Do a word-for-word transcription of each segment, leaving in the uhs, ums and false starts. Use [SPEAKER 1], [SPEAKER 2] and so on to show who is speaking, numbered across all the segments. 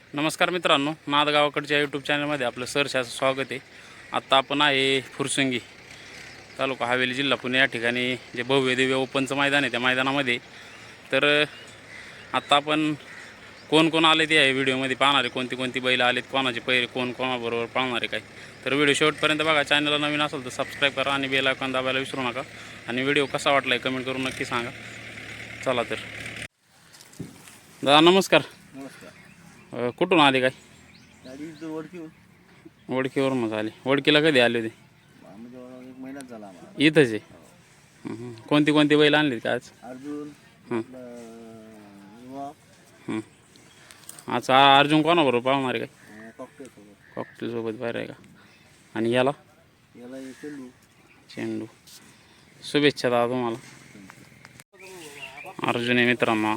[SPEAKER 1] नमस्कार मित्रांनो, नाद गावाकडच्या यूट्यूब चॅनलमध्ये आपलं सहर्षाचं स्वागत आहे. आत्ता आपण आहे फुरसंगी तालुका हवेली जिल्हा पुणे या ठिकाणी जे भव्य दिव्य ओपनचं मैदान आहे त्या मैदानामध्ये. तर आत्ता आपण कोण कोण आले ते आहे व्हिडिओमध्ये पाहणार आहे, कोणती कोणती बैल आलेत, कोणाचे पैरे, कोण कोणाबरोबर पाळणार आहे काय. तर व्हिडिओ शेवटपर्यंत बघा. चॅनलला नवीन असेल तर सबस्क्राईब करा आणि बेल आयकॉन दाबायला विसरू नका. आणि व्हिडिओ कसा वाटला आहे कमेंट करून नक्की सांगा. चला तर दादा नमस्कार.
[SPEAKER 2] नमस्कार.
[SPEAKER 1] कुठून आले काय?
[SPEAKER 2] गाडी ओळखी
[SPEAKER 1] वडकीवरूनच आले. वडकीला कधी आले होते?
[SPEAKER 2] म्हणजे एक महिनाच झाला आम्हाला.
[SPEAKER 1] इथंच आहे. हं, हं. कोणती कोणती बैल आणली का आज?
[SPEAKER 2] अर्जुन
[SPEAKER 1] हं.
[SPEAKER 2] युवा
[SPEAKER 1] हं. आज आ- अर्जुन कोणाबरोबर पाळणार आहे काय?
[SPEAKER 2] कॉकटेल सोबत
[SPEAKER 1] कॉकटेलसोबत बाहेर आहे का? आणि याला
[SPEAKER 2] याला एक चेंडू.
[SPEAKER 1] चेंडू. शुभेच्छा दादा तुम्हाला. अर्जुन आहे मित्रांनो.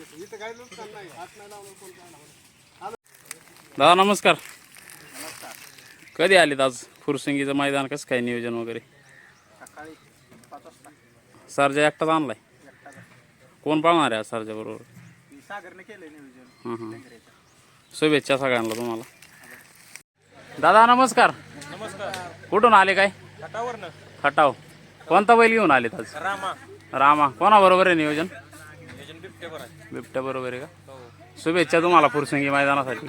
[SPEAKER 1] दादा नमस्कार. कधी आलेत आज? फुरसंगीचं मैदान कसं काय नियोजन वगैरे?
[SPEAKER 2] सकाळी पाच वाजता
[SPEAKER 1] सरजा एकटाच आणलाय? कोण पाळणार आहे आज सरजा बरोबर?
[SPEAKER 2] सागरने केलंय नियोजन.
[SPEAKER 1] हां हां. शुभेच्छा सगळ्यांना तुम्हाला. दादा नमस्कार.
[SPEAKER 2] नमस्कार.
[SPEAKER 1] कुठून आले काय?
[SPEAKER 2] घाटावरनं
[SPEAKER 1] खटाव. कोणता बैल घेऊन आलेत आज?
[SPEAKER 2] रामा.
[SPEAKER 1] रामा. कोणाबरोबर आहे नियोजन?
[SPEAKER 2] नियोजन बिबटेवर आहे.
[SPEAKER 1] बिबट्या बरोबर आहे का?
[SPEAKER 2] हो.
[SPEAKER 1] शुभेच्छा तुम्हाला फुरसंगी मैदानासाठी.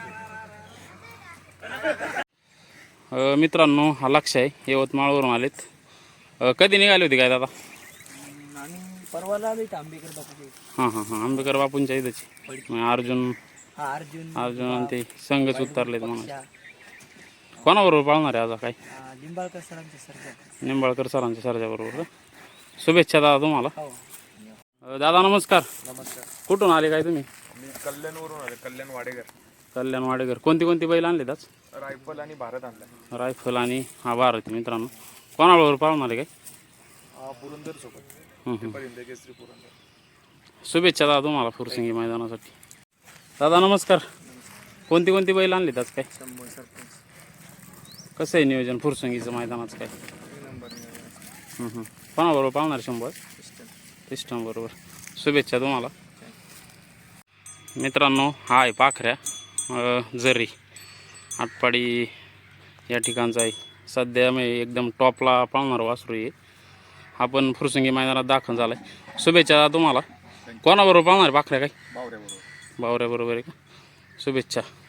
[SPEAKER 1] अ, मित्रांनो हा लक्ष आहे, यवतमाळवरून आलेत. अ, कधी निघाले होते काय दादा?
[SPEAKER 2] आणि परवाला आले आंबेकर बापू.
[SPEAKER 1] हां हां हां. आंबेकर बापूंच्या इथंच. अर्जुन
[SPEAKER 2] हा अर्जुन
[SPEAKER 1] अर्जुन आणि ते संघच उतरलेत म्हणून. कोणाबरोबर पाळणार आहे आज काय?
[SPEAKER 2] लिंबाळकर सरांचे सर.
[SPEAKER 1] निंबाळकर सरांच्या सरच्या बरोबर. शुभेच्छा दादा तुम्हाला.
[SPEAKER 2] हो.
[SPEAKER 1] अ, दादा नमस्कार.
[SPEAKER 2] नमस्कार.
[SPEAKER 1] कुठून आले काय तुम्ही?
[SPEAKER 2] मी कल्याणवरून आले. कल्याण वाडेकर.
[SPEAKER 1] कल्याण वाडेकर. कोणती कोणती बैल आणलीत आज?
[SPEAKER 2] रायफल आणि भारत आणला.
[SPEAKER 1] रायफल आणि हा भारत मित्रांनो. कोणाबरोबर पाळणार आहे काय?
[SPEAKER 2] पुरंदर सोबत.
[SPEAKER 1] हं हं.
[SPEAKER 2] परिंद केसरी पुरंदर.
[SPEAKER 1] शुभेच्छा दादा तुम्हाला फुरसंगी मैदानासाठी. दादा नमस्कार. कोणती कोणती बैल आणलीत आज काय?
[SPEAKER 2] शंभर सरपंच.
[SPEAKER 1] कसं आहे नियोजन फुरसंगीचं मैदानाचं काय?
[SPEAKER 2] नंबर
[SPEAKER 1] हं हं. कोणाबरोबर पाळणार शंभर? सिस्टम बरोबर. शुभेच्छा तुम्हाला. मित्रांनो हा आहे पाखऱ्या अ, जरी आटपाडी या ठिकाणचा आहे. सध्या मी एकदम टॉपला पाळणार वासरू आहे. हा पण फुरसंगी मैदानात दाखल झाला आहे. शुभेच्छा तुम्हाला. कोणाबरोबर पाळणार आहे पाखऱ्या काय?
[SPEAKER 2] बावऱ्याबरोबर.
[SPEAKER 1] बावऱ्याबरोबर आहे का? शुभेच्छा.